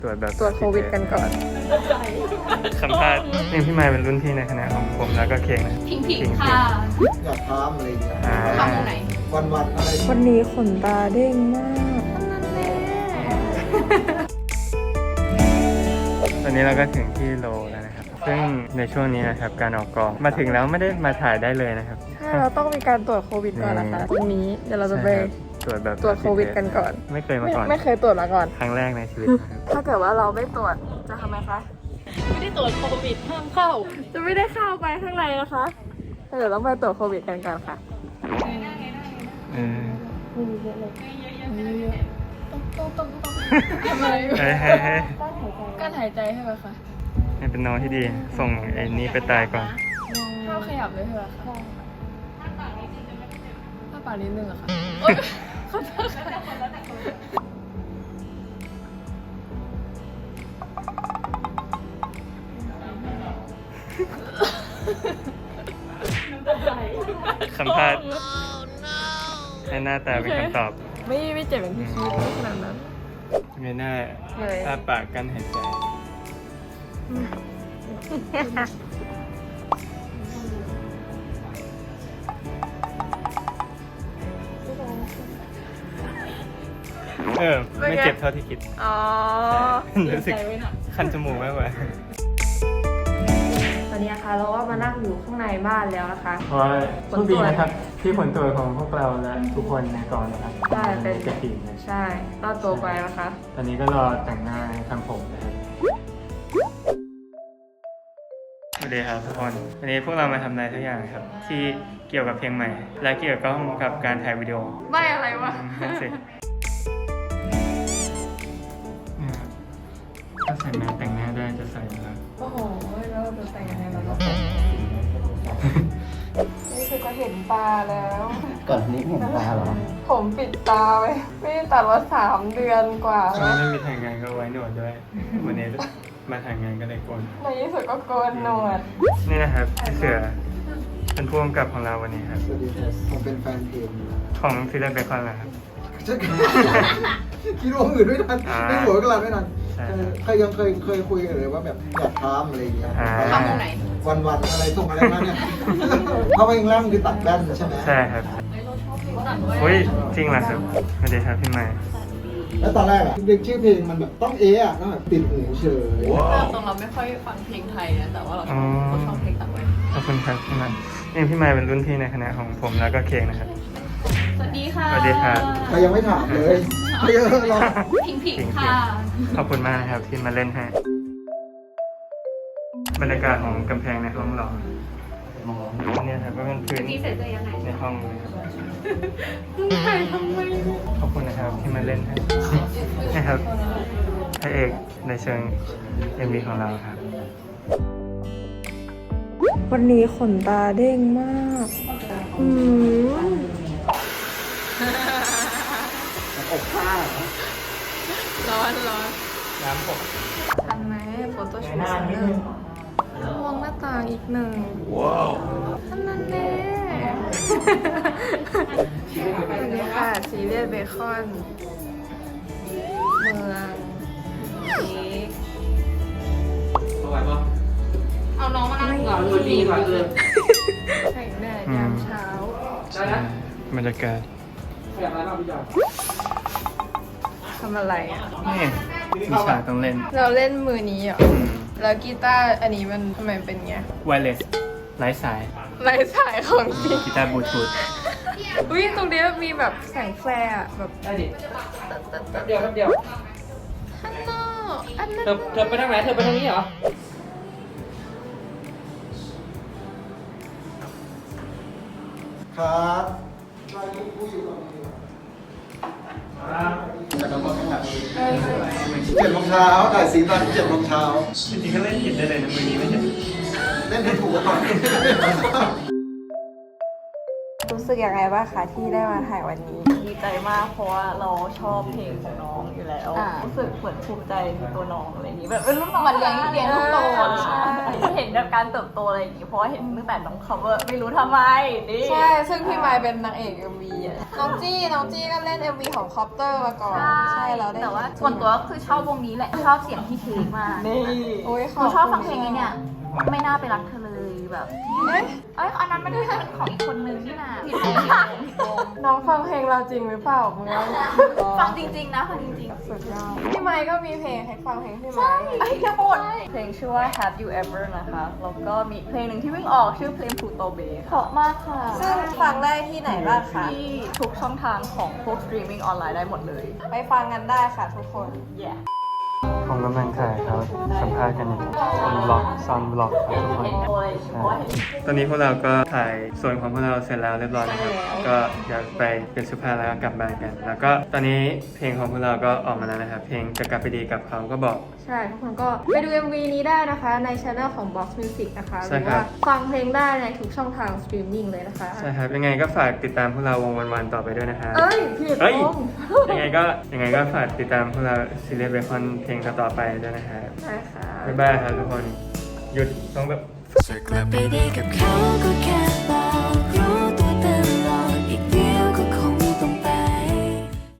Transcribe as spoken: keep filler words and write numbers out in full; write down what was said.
ตรวจแบบตรวจโควิดกันก่อนสัมภาษณ์นี่พี่ไมค์เป็นรุ่นพี่ในคณะของผมแล้วก็เค้งนะพิงพิงค่ะอยากทำอะไรอย่างเงี้ยทำตรงไหนวันวันๆอะไรวันนี้ขนตาเด้งมากตอนนี้เราก็ถึงที่โลแล้วนะครับซึ่งในช่วงนี้นะครับการออกกองมาถึงแล้วไม่ได้มาถ่ายได้เลยนะครับใช่เราต้องมีการตรวจโควิดก่อนนะคะตรงนี้เดี๋ยวเราจะไปตรวจแบบตรวจโควิดกันก่อนไม่เคยมาไม่ก่อนไม่เคยตรวจมาก่อนครั้งแรกในชีวิตนะครับถ้าเกิดว่าเราไม่ตรวจจะทำไมคะไม่ได้ตรวจโควิดห้ามเข้าจะไม่ได้เข้าไปข้างในนะคะเดี๋ยวต้องไปตรวจโควิดกันก่อนค่ะเออต้องต้องต้องทำไมเฮ้ยเฮ้ยเฮ้ยการหายใจใช่ไหมคะนี่เป็นน้องที่ดีส่งไอ้นี้ไปตายก่อนห้ามขยับเลยใช่ไหมคะถ้าปากนิดนึงอะค่ะขอโทษค่ะสัมภาษณ์ให้หน้าตาเป็นคำตอบไม่ไม่เจ็บอย่างที่คิดไม่ขนาดนั้นไม่น่าเลยอ้าปากกั้นหายใจเออไม่เจ็บเท่าที่คิดอ๋อรู้สึกคันจมูกมากกว่าตอนนี้นะคะเราก็มานั่งอยู่ข้างในบ้านแล้วนะคะเพราะว่าโชคดีนะครับที่ผลตรวจของพวกเราและทุกคนในกองนะครับใช่เป็นเจ็บปีนะใช่รอดตัวไปนะคะตอนนี้ก็รอแต่งหน้าทำผมนะครับสวัสดีครับทุกคนวันนี้พวกเรามาทำอะไรทุกอย่างครับ ที่เกี่ยวกับเพลงใหม่ และเกี่ยวกับกับการถ่ายวิดีโอไม่อะไรวะนั่นสิเนี่ยครับถ้าใส่แมสแต่งหน้าได้จะใส่แล้วโอ้โหแล้วเราจะแต่งยังไงล่ะลูกนี่คือจะเห็นตาแล้วก่อนนี้เห็นตาเหรอผมปิดตาไว้ไม่ได้ตัดมาสามเดือนกว่าวันแล้วนี้ไม่มีถ่ายงานก็ไว้หนวดด้วย วันนี้มาถ่ายงานก็เลยโกนในที่สุดก็โกนหนวดนี่นะครับพี่เสือเป็นผู้กำกับของเราวันนี้ครับสวัสดีครับผมเป็นแฟนเพลงของซีรีส์เบคอนนะครับจะคิดว่าอื่นไม่ทันอ่าไม่หัวกลางไม่ทันใช่เออเคยยังเคยเคยคุยกันเลยว่าแบบอยากทำอะไรอย่างเงี้ยอ่าทำตรงไหนวันวันๆอะไรส่งอะไรมาเนี่ยเพราะว่ายังร่างคือตัดแว่นใช่ไหมใช่ครับอุ้ยจริงเหรอครับสวัสดีครับพี่ใหม่แล้วตอนแรกอะเด็กชื่อเพลงมันแบบต้องเอะอะต้องแบบติดหูเฉยตรงเราไม่ค่อยฟังเพลงไทยนะ แต่ว่าเราอ๋อเราชอบเพลงต่างประเทศขอบคุณครับพี่ใหม่นี่พี่ใหม่เป็นรุ่นพี่ในคณะของผมแล้วก็เค้งนะครับสวัสดีค่ะสวัสดีครับใครยังไม่ถามเลยเยอะรอพิงพิงค่ะขอบคุณมากนะครับที่มาเล่นให้บรรยากาศของกำแพงในห้องเราเนี่ยครับก็เป็นพื้นนี่เสร็จจะยังไงในห้องเลยครับถ่ายทำไมขอบคุณนะครับที่มาเล่นให้นะครับพระเอกในเชิง เอ็ม วี ของเราครับวันนี้ขนตาเด้งมาก อืมอกผ้าร้อนร้อนน้ำผมทันไหมโฟโต้ชูตสักหนึ่งมองหน้าต่างอีกหนึ่งว้าวท่านนั้นแน่สวัสดีค่ะซีเรียสเบคอน เมืองนี้เอาน้องมานั่งก่อนดูดีกว่าเลยแต่งแดดยามเช้าบรรยากาศทำอะไรอ่ะนี่มีฉากต้องเล่นเราเล่นมือนี้เหรอ แล้วกีตาร์อันนี้มันทำไมเป็นไงไวเลสไร้สายลายสายของจริงกีตาร์บลูทูธอุ้ยตรงนี้มันมีแบบแสงแฟร์อะแบบได้ดิเดี๋ยวเดี๋ยวฮันโนอันนั้นเธอเธอไปทางไหน เธอไปทางนี้เหรอครับเจ็ดโมงเช้าถ่ายสีตอนเจ็ดโมงเช้าจริงๆก็เล่นผิดได้เลยนะมือนี้ไม่ใช่เล่นให้ถูกก่อนรู้สึกยังไงบ้างคะที่ได้มาถ่ายวันนี้ดีใจมากเพราะว่าเราชอบเพลงของน้องอยู่แล้วอ่ารู้สึกเหมือนภูมิใจในตัวน้องอะไรอย่างนี้แบบเป็นรุ่นน้องมันเลี้ยงเลี้ยงลูกโตอะใช่เห็นแบบการเติบโตอะไรอย่างนี้เพราะว่าเห็นตั้งแต่น้อง cover ไม่รู้ทำไมนี่ใช่ ซึ่งพี่ไมค์เป็นนางเอก เอ็ม วีอะน้องจี้ น้องจี้ก็เล่น เอ็ม วี ของคอปเตอร์มาก่อน ใช่เราได้แต่ว่าส่วนตัวก็คือชอบวงนี้แหละ ชอบเสียงพี่เทคมากนี่โอ้ยหนูชอบฟังเพลงนี้เนี่ย ไม่น่าไปรักเธอเลยแบบเอ๊ะเอ้ยอันนั้นมันเป็นของอีกคนนึงนี่นะผิดวงผิดวงผิดวงน้องฟังเพลงเราจริงหรือเปล่ามึงว่าฟังจริงๆนะฟังจริงสุดยอดพี่ไมค์ก็มีเพลงให้ฟังเพลงพี่ไมค์ๆไอ้ยจะหมดเพลงชื่อว่า Have You Ever นะคะแล้วก็มีเพลงหนึ่งที่เพิ่งออกชื่อเพลง Pluto Bay เพราะมากค่ะซึ่งฟังได้ที่ไหนบ้างคะที่ทุกช่องทางของพวก streaming ออนไลน์ได้หมดเลยไปฟังกันได้ค่ะทุกคน yeah ผมกำลังถ่ายเขาสัมภาษณ์กันอยู่เป็นบล็อกซอนบล็อกครับทุกคนโอ้ยเพราะว่าเห็นตอนนี้พวกเราก็ถ่ายส่วนของพวกเราเสร็จแล้วเรียบร้อยนะครับ ก็อยากไปเป็นสุภาพแล้วก็กลับบ้านกัน แล้วก็ตอนนี้เพลงของพวกเราก็ออกมาแล้วนะครับ เพลงจะกลับไปดีกับเขาก็บอกใช่ทุกคนก็ไปดู เอ็ม วี นี้ได้นะคะในช anel ของ Box Music นะคะหใช่รือครัว่าบฟังเพลงได้ในทุกช่องทางสตรีมมิ่งเลยนะคะใช่ครับ ยังไงก็ฝากติดตามพวกเราวงวันๆต่อไปด้วยนะครับเอ้ยผิดเอ้ยวงยังไงก็ยังไงก็ฝากติดตามพวกเราซีเรียสเบคอนเพลงต่อๆไปด้วยนะครับได้ค่ะบ๊ายบายครับทุกคน หยุดต้องแบบจะกลับไปดีกับเขาก็แค่